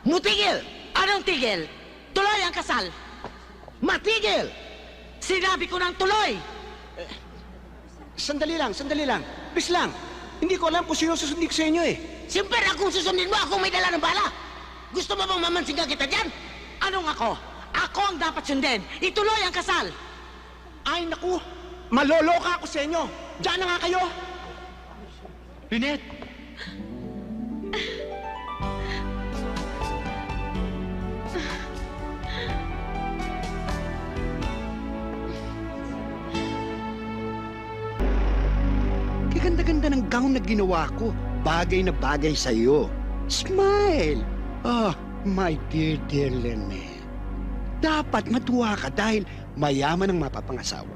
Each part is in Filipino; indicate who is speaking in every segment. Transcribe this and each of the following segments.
Speaker 1: Mutigil! Anong tigil? Tuloy ang kasal! Matigil! Sinabi ko ng tuloy!
Speaker 2: Sandali lang. Please lang. Hindi ko alam kung sino susundin ko sa inyo eh.
Speaker 1: Siyempre, akong susundin mo, akong may dala ng bala! Gusto mo bang mamansingan kita dyan? Anong ako? Ako ang dapat sundin! Ituloy ang kasal!
Speaker 2: Ay, naku. Maloloka ako sa inyo. Diyan na nga kayo.
Speaker 3: Lynette!
Speaker 2: Kaganda-ganda ng gown na ginawa ko. Bagay na bagay sa'yo. Smile! Oh, my dear Lynette. Dapat matuwa ka dahil mayaman ang mapapangasawa mo.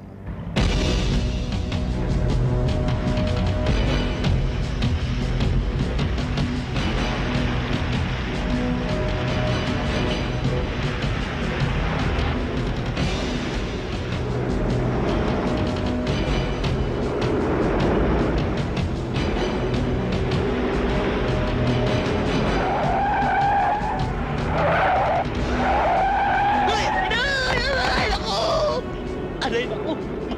Speaker 1: Ay, naku! Aray, naku!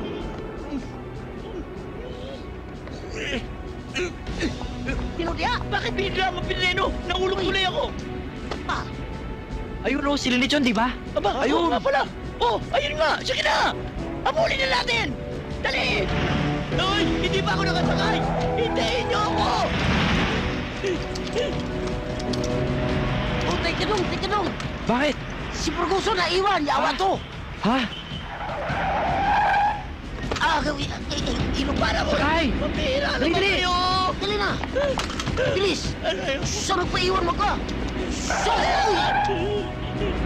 Speaker 1: Tinudya!
Speaker 3: Bakit bigla mo pinreno? Nahulog tuloy ako!
Speaker 1: Ah,
Speaker 3: Ayun o, si Lynette yun, di ba? Aba, ayun! nga pala! Oh, ayun nga! Sige na! Abulin na natin! Dali! Hoy! Hindi pa ako nakasakay! Hintayin niyo ako!
Speaker 1: oh, teka dong!
Speaker 3: Bakit?
Speaker 1: Si Burgoso na iwan, yawa to!
Speaker 3: Ha?
Speaker 1: Ah, inubara mo!
Speaker 3: Sakay!
Speaker 1: Pambihira naman
Speaker 3: Dali!
Speaker 1: kayo! Dali na! Bilis!
Speaker 3: Ano yun?
Speaker 1: Saan nagpaiwan mo ka? Uy!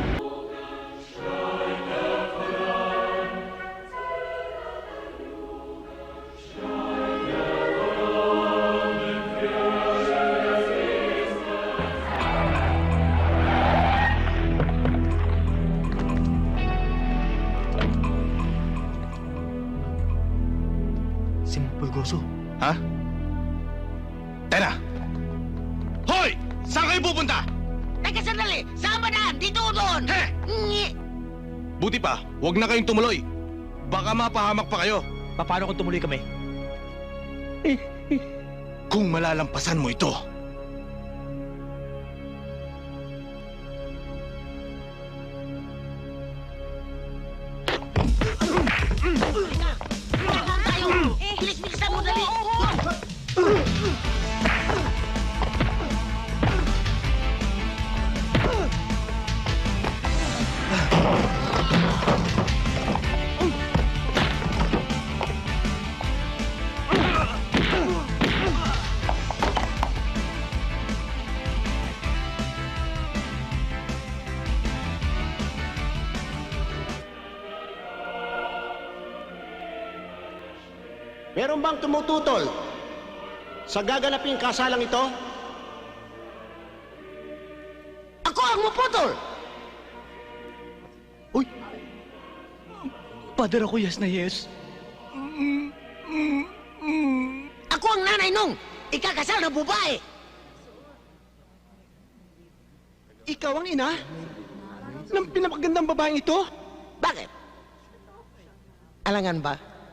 Speaker 3: Si Pulgoso.
Speaker 4: Ha? Tara! Hoy! Saan kayo pupunta?
Speaker 1: Teka sandali! Saan ba daan? Dito o doon?
Speaker 4: He!
Speaker 1: Ngi!
Speaker 4: Buti pa, huwag na kayong tumuloy. Baka mapahamak pa kayo.
Speaker 3: Paano kung tumuloy kami?
Speaker 4: Kung malalampasan mo ito.
Speaker 1: Saan tayo? Bilis-bilisan mo dali!
Speaker 2: Meron bang tumututol sa gaganaping kasalang ito?
Speaker 1: Ako ang maputol!
Speaker 3: Uy! Padre ako, yes na yes.
Speaker 1: Ako ang nanay nung ikakasal na babae!
Speaker 2: Ikaw ang ina ng pinapagandang babaeng ito?
Speaker 1: Bakit? Alangan ba?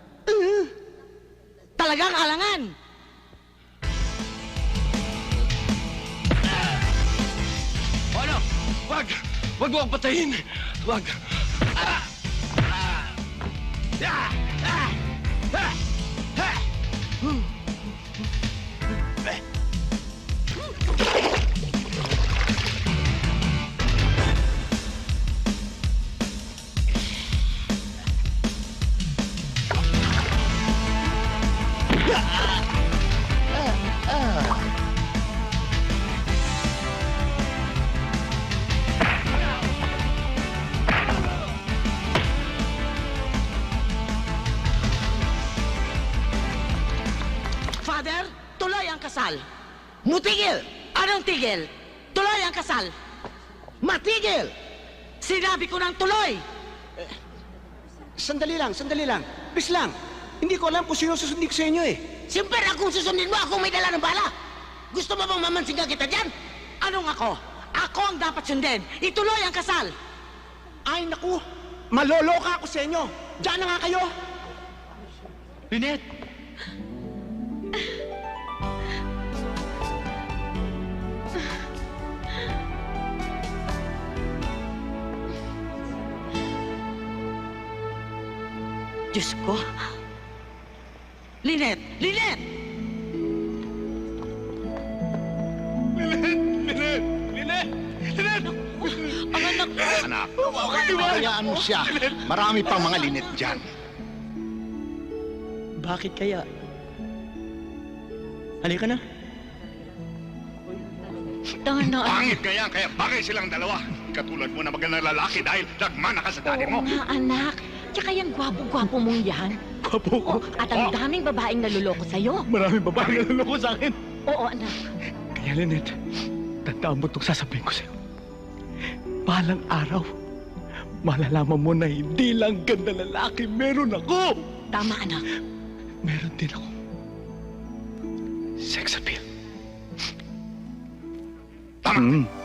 Speaker 1: Talagang alangan!
Speaker 4: Ano? Wag! Wag mo akong patayin! Wag!
Speaker 1: Father, tuloy ang kasal! Mutigil! Anong tigil? Tuloy ang kasal! Matigil! Sinabi ko ng tuloy!
Speaker 2: Sandali lang. Please lang. Hindi ko alam kung sino susundin ko sa inyo eh.
Speaker 1: Siyempre, akong susundin mo, akong may dala ng bala! Gusto mo bang mamansingan kita dyan? Anong ako? Ako Ako ang dapat sundin. Ituloy ang kasal.
Speaker 5: Ay, naku! Maloloka ako sa inyo! Diyan na nga kayo!
Speaker 3: Lynette!
Speaker 1: Diyos ko. Lynette! Lynette! Ang anak ko.
Speaker 2: Anak, hayaan mo siya. Marami pang mga linet dyan.
Speaker 3: Bakit kaya? Halika na.
Speaker 1: Tangan na.
Speaker 6: Pangit ka yan, kaya bagay silang dalawa. Katulad mo na magandang lalaki dahil nagmana ka sa daddy mo.
Speaker 7: Oo nga, anak. Tsaka yung gwapo-gwapo mong yan.
Speaker 3: Gwapo ko.
Speaker 7: Oo, at ang daming babaeng naluloko sa'yo.
Speaker 3: Maraming babae na naloko sa akin.
Speaker 7: Oo, anak.
Speaker 3: Kaya Lynette, tandaan mo itong sasabihin ko sa'yo. Balang araw, malalaman mo na hindi lang ganda lalaki meron ako.
Speaker 7: Tama, anak.
Speaker 3: Meron din ako. Sex appeal.
Speaker 6: Tama.